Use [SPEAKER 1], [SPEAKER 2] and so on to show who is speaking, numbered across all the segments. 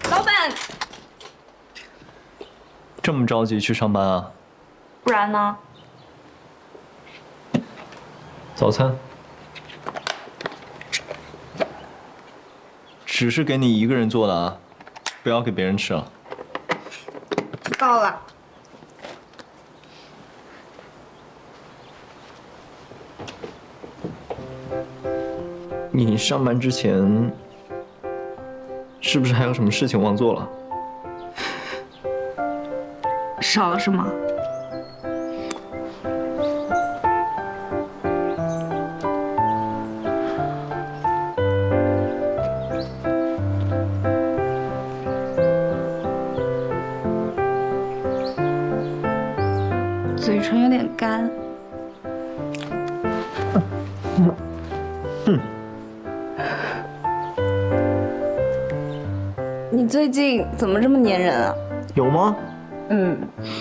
[SPEAKER 1] 老板，
[SPEAKER 2] 这么着急去上班啊？
[SPEAKER 1] 不然呢？
[SPEAKER 2] 早餐。只是给你一个人做的啊，不要给别人吃了。
[SPEAKER 1] 知道了。
[SPEAKER 2] 你上班之前是不是还有什么事情忘做了？
[SPEAKER 1] 少了什么？嘴唇有点干。你最近怎么这么粘人啊？
[SPEAKER 2] 有吗？
[SPEAKER 1] 嗯，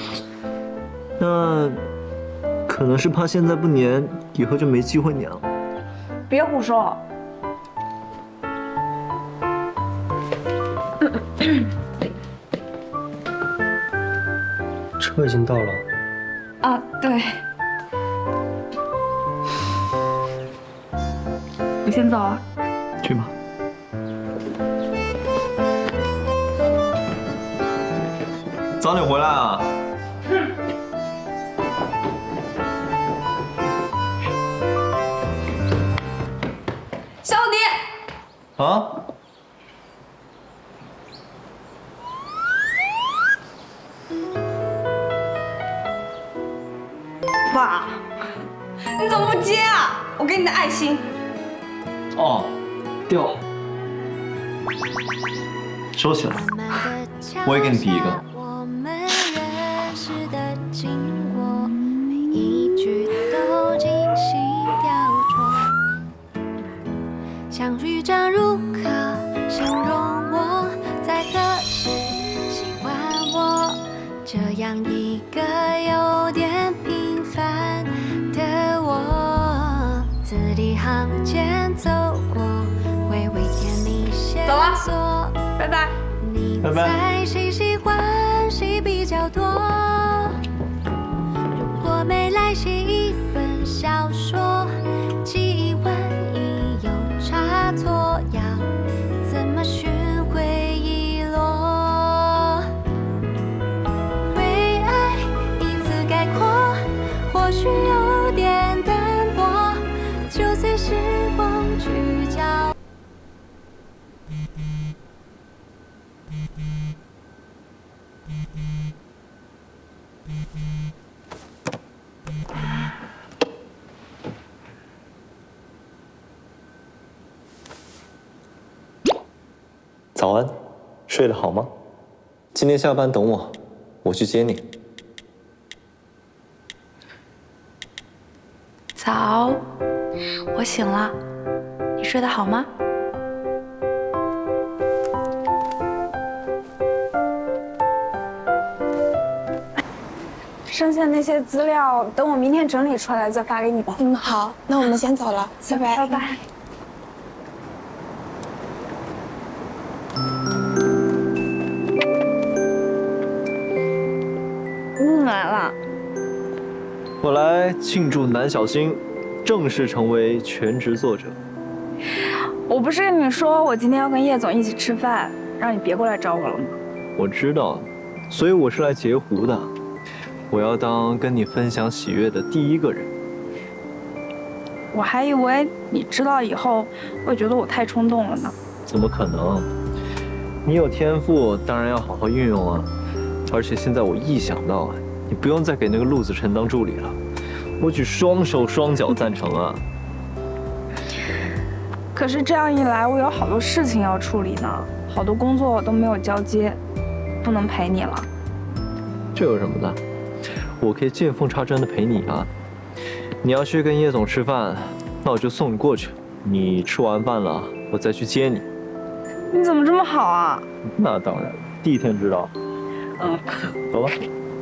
[SPEAKER 2] 那可能是怕现在不粘，以后就没机会粘了。
[SPEAKER 1] 别胡说。
[SPEAKER 2] 车已经到了。
[SPEAKER 1] 啊，对。我先走了。
[SPEAKER 2] 去吧。早点回来啊！
[SPEAKER 1] 小迪。
[SPEAKER 2] 啊？
[SPEAKER 1] 爸，你怎么不接啊？我给你的爱心。
[SPEAKER 2] 哦，掉了。收起来。我也给你比一个。
[SPEAKER 3] 像雨章如歌，形容我在何时喜欢我这样一个有点平凡的我，字里行间走过，回味甜蜜线索。
[SPEAKER 1] 拜拜。
[SPEAKER 3] 你猜谁喜欢谁比较多？如果没来写一本小说，记忆万一有差错，要怎么寻回忆落？为爱一字概括，或许有点淡薄，就随时光去交。
[SPEAKER 2] 早安，睡得好吗？今天下班等我，我去接你。
[SPEAKER 1] 早，我醒了，你睡得好吗？剩下那些资料，等我明天整理出来再发给你吧。
[SPEAKER 4] 嗯，好，那我们先走了，拜拜。
[SPEAKER 1] 拜拜。你来了。
[SPEAKER 2] 我来庆祝南小星正式成为全职作者。
[SPEAKER 1] 我不是跟你说我今天要跟叶总一起吃饭，让你别过来找我了吗？
[SPEAKER 2] 我知道，所以我是来截胡的。我要当跟你分享喜悦的第一个人。
[SPEAKER 1] 我还以为你知道以后会觉得我太冲动了呢。
[SPEAKER 2] 怎么可能？你有天赋，当然要好好运用啊！而且现在我一想到啊，你不用再给那个陆子辰当助理了，我举双手双脚赞成啊！
[SPEAKER 1] 可是这样一来，我有好多事情要处理呢，好多工作都没有交接，不能陪你了。
[SPEAKER 2] 这有什么的？我可以见缝插针的陪你啊！你要去跟叶总吃饭，那我就送你过去。你吃完饭了，我再去接你。
[SPEAKER 1] 你怎么这么好啊？
[SPEAKER 2] 那当然，第一天知道。
[SPEAKER 1] 嗯，
[SPEAKER 2] 走吧。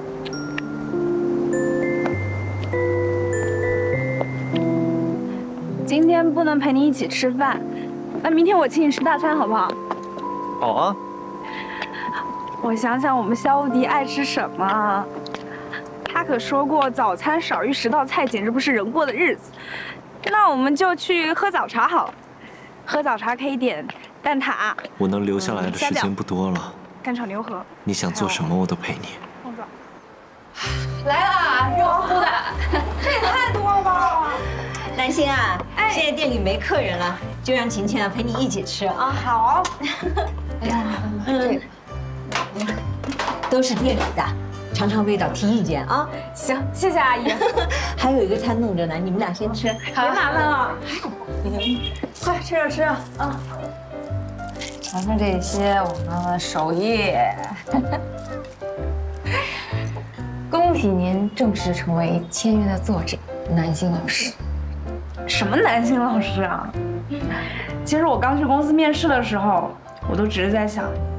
[SPEAKER 1] 今天不能陪你一起吃饭，那明天我请你吃大餐好不好？
[SPEAKER 2] 好啊。
[SPEAKER 1] 我想想，我们肖无敌爱吃什么？他可说过，早餐少于10道菜，简直不是人过的日子。那我们就去喝早茶好了。喝早茶可以点蛋挞。
[SPEAKER 2] 我能留下来的时间不多了。
[SPEAKER 1] 干炒牛河。
[SPEAKER 2] 你想做什么，我都陪你。
[SPEAKER 1] 凤爪。
[SPEAKER 5] 来啦，热乎的。
[SPEAKER 1] 这也太多了吧！
[SPEAKER 6] 南星啊，
[SPEAKER 1] 哎
[SPEAKER 6] 现在店里没客人了，就让晴晴啊陪你一起吃啊。
[SPEAKER 1] 好。
[SPEAKER 5] 哎呀，
[SPEAKER 6] 都是店里的，尝尝味道，提意见啊。
[SPEAKER 1] 行，谢谢阿姨。
[SPEAKER 6] 还有一个餐弄着呢，你们俩先吃。
[SPEAKER 1] 别麻烦了。
[SPEAKER 5] 快吃着吃着啊！尝尝这些我们的手艺。恭喜您正式成为签约的作者，南星老师。
[SPEAKER 1] 什么南星老师啊？其实我刚去公司面试的时候，我都只是在想，